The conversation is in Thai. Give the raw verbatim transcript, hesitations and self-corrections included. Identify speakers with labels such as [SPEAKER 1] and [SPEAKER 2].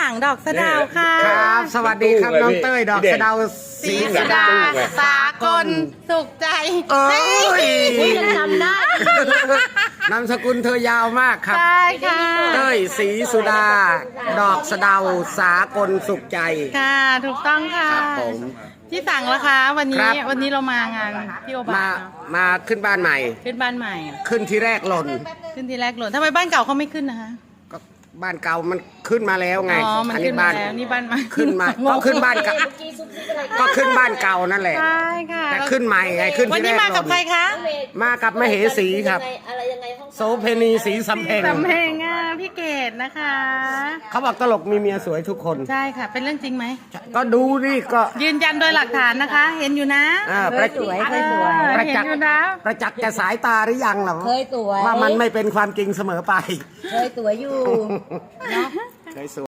[SPEAKER 1] สังดอกสะเดาวค่ะ
[SPEAKER 2] ครับสวัสดีครับน้องเต้ยดอกสะเดา
[SPEAKER 1] ศรีสุดาสากลสุขใจ
[SPEAKER 2] เอ้ย
[SPEAKER 1] ยังจำได้
[SPEAKER 2] นามสกุลเธอยาวมากครับ
[SPEAKER 1] ใช่ค่ะ
[SPEAKER 2] เต้ยศรีสุดา ดอกสะเดาสากลสุขใจ
[SPEAKER 1] ค่ะถูกต้องค่ะ
[SPEAKER 2] ครับผม
[SPEAKER 1] ที่สั่งแล้วคะวัน
[SPEAKER 2] ครั
[SPEAKER 1] นี้
[SPEAKER 2] บ
[SPEAKER 1] วันนี้เรามางานพี่โอบา
[SPEAKER 2] มา
[SPEAKER 1] เนอะ
[SPEAKER 2] มาขึ้นบ้านใหม่
[SPEAKER 1] ขึ้นบ้านใหม่
[SPEAKER 2] ขึ้นที่แรกหล่น
[SPEAKER 1] ขึ้นทีแรกหล่นทำไมบ้านเก่าเขาไม่ขึ้นนะคะ
[SPEAKER 2] ก็บ้านเก่ามันขึ้นมาแล้วไง
[SPEAKER 1] อ๋อมัน
[SPEAKER 2] อั
[SPEAKER 1] ขึ้นมา
[SPEAKER 2] บ้าน
[SPEAKER 1] แล้วนี่บ้านใหม่
[SPEAKER 2] ขึ้นมาก็ขึ้นบ้านเก่าก็ขึ้นบ้านเก่านั่นแหละ
[SPEAKER 1] ใช่ค่ะ
[SPEAKER 2] แต่ขึ้นใหม่ไงขึ้น
[SPEAKER 1] วัน
[SPEAKER 2] ที่
[SPEAKER 1] นี้
[SPEAKER 2] แรก
[SPEAKER 1] มา
[SPEAKER 2] ห
[SPEAKER 1] กั
[SPEAKER 2] ล่
[SPEAKER 1] บ
[SPEAKER 2] น
[SPEAKER 1] ใครคะ
[SPEAKER 2] มากับมเหสีครับ
[SPEAKER 3] อะไรยังไงห้อง
[SPEAKER 2] โสเพณีสีสำเพ็ง
[SPEAKER 1] สำเพ็งอ่ะพี่เกดนะคะ
[SPEAKER 2] เขาบอกตลกมีเมียสวยทุกคน
[SPEAKER 1] ใช่ค่ะ เป็นเรื่องจริงไหม
[SPEAKER 2] ก็ดูนี่ก็
[SPEAKER 1] ยืนยันโดยหลักฐานนะคะ เห็นอยู่นะ
[SPEAKER 2] อ่าประ
[SPEAKER 3] สวยเคยสวย
[SPEAKER 1] เออ
[SPEAKER 2] ประ
[SPEAKER 1] เห็น
[SPEAKER 2] จักษ์
[SPEAKER 1] อยู่นะ
[SPEAKER 2] ประจักษ์แก่สายตาหรือยังล่ะ
[SPEAKER 3] เคยสวย
[SPEAKER 2] ว่ามันไม่เป็นความจริงเสมอไป
[SPEAKER 3] เคยสวยอยู่
[SPEAKER 2] เคยสวย